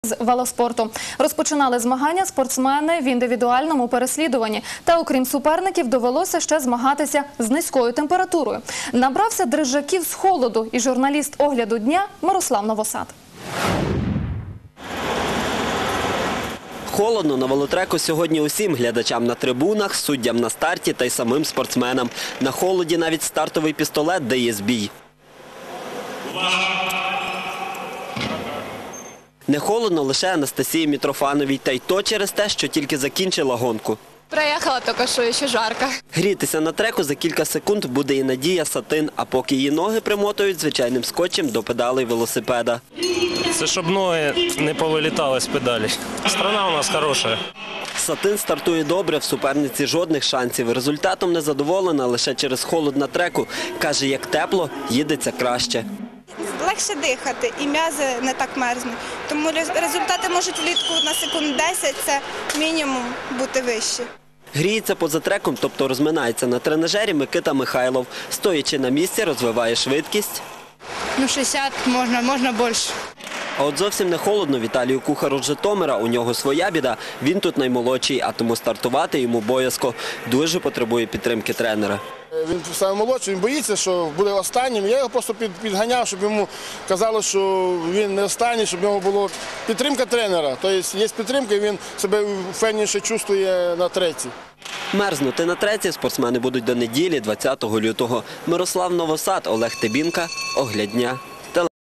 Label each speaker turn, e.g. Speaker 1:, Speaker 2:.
Speaker 1: З велоспорту. Розпочинали змагання спортсмени в індивідуальному переслідуванні. Та окрім суперників довелося ще змагатися з низькою температурою. Набрався дрижаків з холоду і журналіст «Огляду дня» Мирослав Новосад.
Speaker 2: Холодно на велотреку сьогодні усім глядачам на трибунах, суддям на старті та й самим спортсменам. На холоді навіть стартовий пістолет дає збій. Не холодно лише Анастасії Мітрофановій, та й то через те, що тільки закінчила гонку.
Speaker 3: Проехала только что, еще жарко.
Speaker 2: Грітися на треку за кілька секунд буде і Надія Сатин, а поки її ноги примотують звичайним скотчем до педалей велосипеда.
Speaker 4: Це щоб ноги не повилітали з педалі. Страна у нас хороша.
Speaker 2: Сатин стартує добре, в суперниці жодних шансів. Результатом не задоволена лише через холод на треку. Каже, як тепло, їдеться краще.
Speaker 5: Легше дихати і м'язи не так мерзнуть. Тому результати можуть влітку на секунд 10, це мінімум бути вищі.
Speaker 2: Гріється поза треком, тобто розминається на тренажері Микита Михайлов. Стоячи на місці, розвиває швидкість.
Speaker 3: 60 можна більше.
Speaker 2: А от зовсім не холодно Віталію Кухару з Житомира. У нього своя біда. Він тут наймолодший, а тому стартувати йому боязко. Дуже потребує підтримки тренера.
Speaker 6: Він наймолодший, він боїться, що буде останнім. Я його просто підганяв, щоб йому казали, що він не останній, щоб в нього була підтримка тренера. Тобто є підтримка, і він себе впевненіше чувствує на треці.
Speaker 2: Мерзнути на треці спортсмени будуть до неділі, 20 лютого. Мирослав Новосад, Олег Тебінка, «Огляд дня».